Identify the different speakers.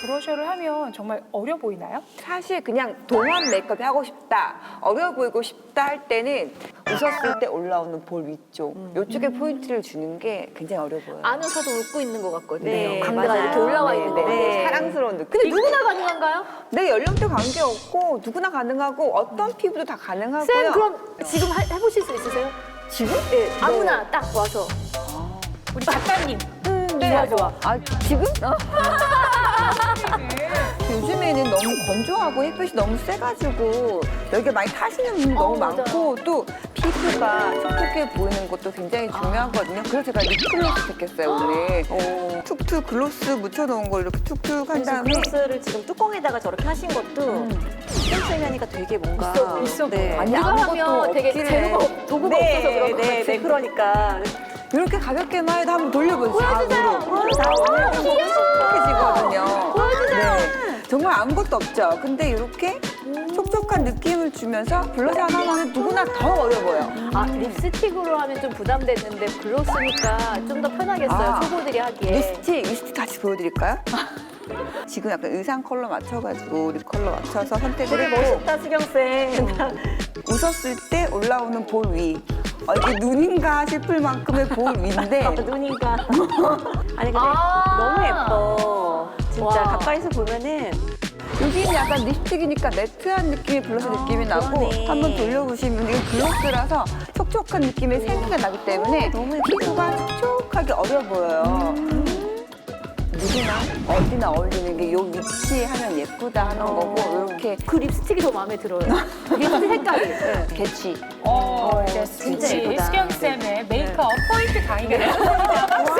Speaker 1: 브러셔를 하면 정말 어려 보이나요?
Speaker 2: 사실 그냥 동안 메이크업이 하고 싶다, 어려 보이고 싶다 할 때는 웃었을 때 올라오는 볼 위쪽, 이쪽에 포인트를 주는 게 굉장히 어려 보여요.
Speaker 3: 안 웃어도 웃고 있는 것 같거든요.
Speaker 2: 네,
Speaker 3: 광대가
Speaker 2: 맞아요.
Speaker 3: 이렇게 올라와
Speaker 2: 네,
Speaker 3: 있는
Speaker 2: 네,
Speaker 3: 거.
Speaker 2: 네. 사랑스러운 느낌.
Speaker 3: 근데 누구나 가능한가요?
Speaker 2: 내 연령대 관계없고 누구나 가능하고 어떤 피부도 다 가능하고요.
Speaker 3: 쌤 그럼 지금 해보실 수 있으세요?
Speaker 2: 지금?
Speaker 3: 네, 아무나 딱 와서.
Speaker 1: 우리 작가님.
Speaker 3: 좋아 좋아.
Speaker 2: 아 지금? 요즘에는 너무 건조하고 햇빛이 너무 세가지고 여기가 많이 타시는 분이 너무
Speaker 3: 맞아요.
Speaker 2: 많고 또 피부가 촉촉해 보이는 것도 굉장히 중요하거든요. 그래서 제가 립글로스 택했어요 오늘. 툭툭 글로스 묻혀놓은 걸 이렇게 툭툭 한 다음에
Speaker 4: 글로스를 지금 뚜껑에다가 저렇게 하신 것도 신경 하니까 되게 뭔가
Speaker 1: 있어 보여.
Speaker 4: 네.
Speaker 2: 아니,
Speaker 3: 이거
Speaker 2: 아무것도
Speaker 3: 하면 되게
Speaker 2: 없기를.
Speaker 3: 재료가 도구가 없어서 그런 것 같아요.
Speaker 4: 네, 그러니까
Speaker 2: 이렇게 가볍게만 해도 한번 돌려보세요.
Speaker 3: 보여주세요.
Speaker 2: 촉촉해지거든요.
Speaker 3: 보여주세요.
Speaker 2: 네. 정말 아무것도 없죠. 근데 이렇게 촉촉한 느낌을 주면서 블러셔 하나만 해도 누구나 더 어려 보여.
Speaker 3: 아 립스틱으로 하면 좀 부담됐는데 글로스니까 좀 더 편하겠어요.
Speaker 2: 아,
Speaker 3: 초보들이 하기에.
Speaker 2: 립스틱 같이 보여드릴까요? 지금 약간 의상 컬러 맞춰가지고 립 컬러 맞춰서 선택을
Speaker 4: 되게
Speaker 2: 했고
Speaker 4: 멋있다 수경쌤.
Speaker 2: 웃었을 때 올라오는 볼 위. 이게 눈인가 싶을 만큼의 볼 위인데
Speaker 4: 눈인가. 아니 근데
Speaker 3: 아.
Speaker 4: 너무 예뻐. 진짜
Speaker 3: 와.
Speaker 4: 가까이서 보면은
Speaker 2: 여기는 약간 립스틱이니까 매트한 느낌의 블러셔 느낌이 나고
Speaker 4: 그러네.
Speaker 2: 한번 돌려보시면 이거 글로스라서 촉촉한 느낌의 생기가 나기 때문에 피부가 촉촉하게 어려 보여요. 누구나 어디나 어울리는 게 요 위치 하면 예쁘다 하는 거고 이렇게
Speaker 3: 그 립스틱이 더 마음에 들어요. 립스틱 색깔이. 네.
Speaker 2: 개취.
Speaker 1: 알겠습니다.
Speaker 4: 진짜 예쁘다.
Speaker 1: 수경쌤의 메이크업 포인트 강의가 됐습니다.